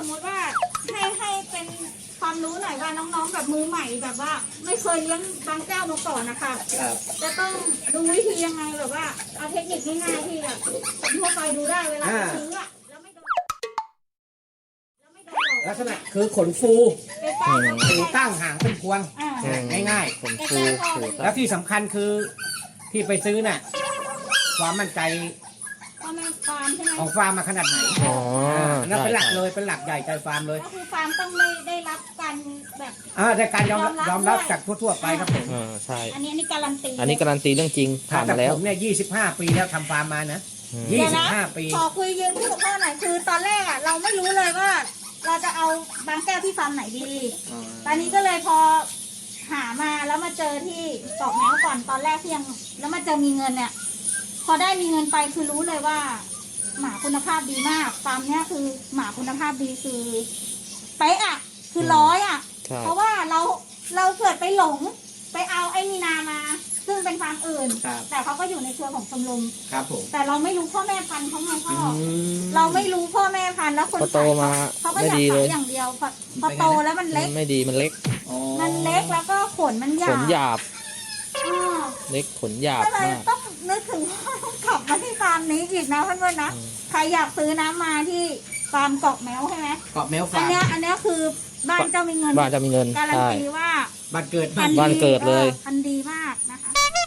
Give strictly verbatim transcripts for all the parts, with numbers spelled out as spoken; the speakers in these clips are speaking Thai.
มมติว่าให้ให้เป็นความรู้หน่อยว่าน้องๆแบบมือใหม่แบบว่า ไม่เคยเลี้ยงบางแก้วมาก่อนนะคะครับจะต้องดูวิธียังไงแบบว่าเอาเทคนิคง่ายๆที่แบบคนทั่วไปดูได้เวลาไปซื้ออะแล้วไม่โดนแล้วไม่โดนหลอกลักษณะคือขนฟูใกล้ๆก็หูตั้งหางเป็นพวงอ่าง่ายขนฟูหูๆตาแล้วที่สำคัญคือที่ไปซื้อน่ะความมั่นใจพ่อแม่ฟาร์มใช่ไหมของฟาร์มมาขนาดไหนอ๋อนั่นใช่เป็นหลักใช่เลยเป็นหลักใหญ่ใจฟาร์มเลยก็คือฟาร์มต้องได้ได้รับการแบบอ่าแต่การยอมยอมรับยอมรับด้วยจากทั่วๆไปครับผมอ่าใช่อันนี้อันนี้การันตีอันนี้การันตีเรื่องจริงผ่านแต่มาแล้วผมเนี่ยยี่สิบห้าปีแล้วทำฟาร์มมานะอืมยี่เดี๋ยวสิบนะห้าปีขอคุยยืนพูดกับพ่อหน่อยคือตอนแรกอะเราไม่รู้เลยว่า เราจะเอาบางแก้วที่ฟาร์มไหนดี ตอนนี้ก็เลยพอหามาแล้วมาเจอที่ตอกแมวก่อนตอนแรกที่ยังแล้วมาเจอมีเงินเนี่ย พอได้มีเงินไปคือรู้เลยว่า หมาคุณภาพดีมากฟาร์มเนี้ยคือหมาคุณภาพดีคือเป๊ะอะคือร้อยอะใช่เพราะว่าเราเราเกิดไปหลงไปเอาไอ้มีนามา ซึ่งเป็นฟาร์มอื่นครับแต่เขาก็อยู่ในเครือของชมรมครับผมแต่เราไม่รู้พ่อแม่พันธุ์เขาไงพ่ออืมเราไม่รู้พ่อแม่พันธุ์แล้วคนพอโตขายมาเขาก็ไม่อยากดีเลขาย ยอย่างเดียวพอพอโตแล้วมันเล็กไม่ดีมันเล็กอ๋อมันเล็กแล้วก็ขนมันหขยาบนหยาบอ่าเล็กขนหยาบก็เลยมากต้องนึกถึงว่าต้องขับมาที่ฟาร์มนี้อีกนะเพื่อนๆนะอืมใครอยากซื้อน้ำมาที่ฟาร์มเกาะแมวใช่ไหมเกาะแมวอัฟาน ร์มเนี้ยอันเนี้ยคือบ้านเจ้ามีเงินบ้านจะมีเงินการันใช่ตีว่าบ้านเกิดพันธุ์บ้านเกิดเลยออพันธุ์ดีมากนะคะ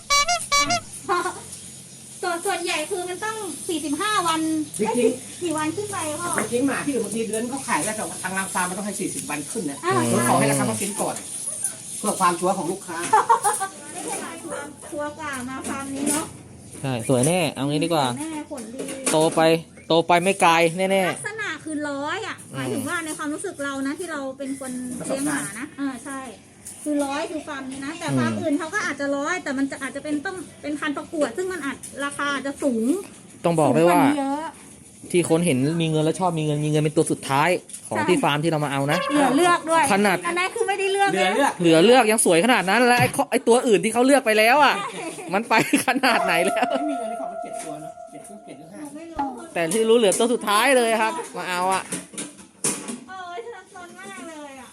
ส่วนส่วนใหญ่คือมันต้องสี่สิบห้าวันจริงเอ้ยกี่วันขึ้นไปพ่อๆจริงๆหมาที่อื่นบางทีเดือนเขาขายแล้วแต่ทางรางฟาร์มมันต้องให้สี่สิบวันขึ้นนะอ่าเราขอให้ราคาเขากินก่อน เพื่อความชัวร์ของลูกค้าไม่ใช่มาฟาร์มทัวร์กว่ามาฟาร์มนี้เนาะใช่สวยแน่เอางี้ดีกว่าแน่ผลดีโตไปโตไปไม่ไกลแน่ลักษณะคือร้อยอ่ะหมายถึงว่าในความรู้สึกเรานะที่เราเป็นคนเลี้ยงหมานะเออใช่ คือร้อยคือฟาร์มนี้นะ แต่ฟาร์มอื่นเขาก็อาจจะร้อยแต่มันจะอาจจะเป็นต้องเป็นพันธุ์ประกวด ซึ่งมันอาจราคาอาจจะสูงๆต้องบอกเลยว่าสูงนี้เยอะที่คนเห็นมีเงินแล้วชอบมีเงินมีเงินเป็นตัวสุดท้ายของใช่ที่ฟาร์มที่เรามาเอานะเหลือเลือกด้วยขนาดอันนั้นคือไม่ได้เลือกเหลือนะเลือกเหลือเลือกยังสวยขนาดนั้นแล้วไอ้ข้อไอ้ตัวอื่นที่เขาเลือกไปแล้วอ่ะ มันไปขนาดไหนแล้วไม่มีเงินในของมันเจ็ดตัวเนาะเจ็ดตัวเจ็ดหรือห้าไม่รู้แต่ที่รู้เหลือตัวสุดท้ายเลยครับ มาเอาอ่ะเออฉันซนมากเลยอ่ะ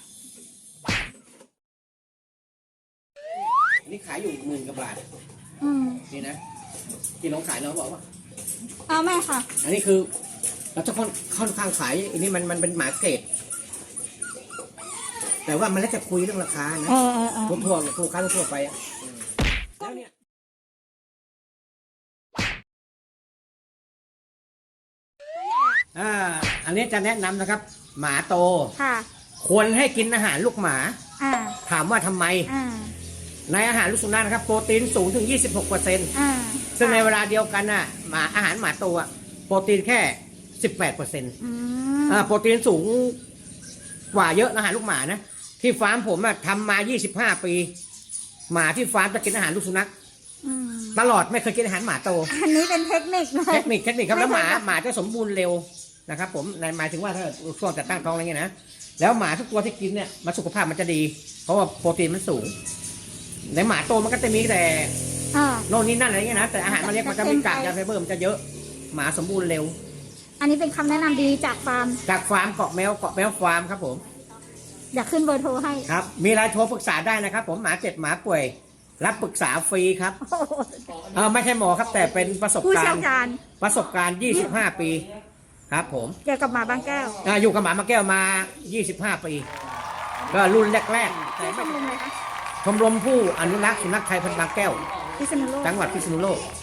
นี่ขายอยู่หมื่นกว่าบาทอืมนี่นะที่น้องขายน้องบอกว่าเอาแม่ค่ะอันนี้คือเราจะค่อนค่อนข้างขายอันนี้มันมันเป็นหมาเกรดแต่ว่ามันแล้วจะคุยเรื่องราคานะเออเออเออทั่วทั่วทั่วค้าทั่วไปอะแล้วเนี่ยอ่าอันนี้จะแนะนำนะครับ หมาโตค่ะควรให้กินอาหารลูกหมาอ่าถามว่าทำไมอ่าในอาหารลูกสุนัขนะครับโปรตีนสูงถึง ยี่สิบหกเปอร์เซ็นต์อ่าซึ่งในเวลาเดียวกันน่ะหมาอาหารหมาโตอะโปรตีนแค่ สิบแปดเปอร์เซ็นต์อืมอ่าโปรตีนสูงกว่าเยอะอาหารลูกหมานะที่ฟาร์มผมอะทำมา ยี่สิบห้า ปี หมาที่ฟาร์มจะกินอาหารลูกสุนัขอืมตลอดไม่เคยกินอาหารหมาโตอันนี้เป็นเทคนิคเลเทยคนิคเทคนิคครับแล้วหมาไม่เคยหมาจะสมบูรณ์เร็วนะครับผมในหมายถึงว่าถ้าช่วงจัดตั้งท้องอะไรเงี้ยนะแล้วหมาทุกตัวที่กินเนี่ยมันสุขภาพมันจะดี เพราะว่าโปรตีนมันสูงในหมาโตมันก็จะมีแต่อ่าโน่นนี่นั่นอะไรเงี้ยนะแต่อาหารมันเล็กมันจะมีกากยาไฟเบอร์มันจะเยอะหมาสมบูรณ์เร็วอันนี้เป็นคำแนะนำดีจากฟาร์มจากฟาร์มเกาะแมวเกาะแมวฟาร์มครับผมอยากขึ้นเบอร์โทรให้ครับมีอะไรโทรปรึกษาได้นะครับ ผมหมาเจ็บหมาป่วย รับปรึกษาฟรีครับโอ้โหเออไม่ใช่หมอครับ แต่เป็นประสบผู้กาเชี่รยวณ์ชาญประสบการณ์ ยี่สิบห้า ปีครับผมเกี่ยวกับหมาบางแก้วอ่าอยู่กับหมามาแก้วมา ยี่สิบห้า ปี ก็รุ่นแรกๆแต่ชื่อชไม่มรมอะไรคะชมรมผู้อนุรักษ์สุนัขไทยพันธุ์บางแก้วพิษณุโลกจังหวัดพิษณุโลก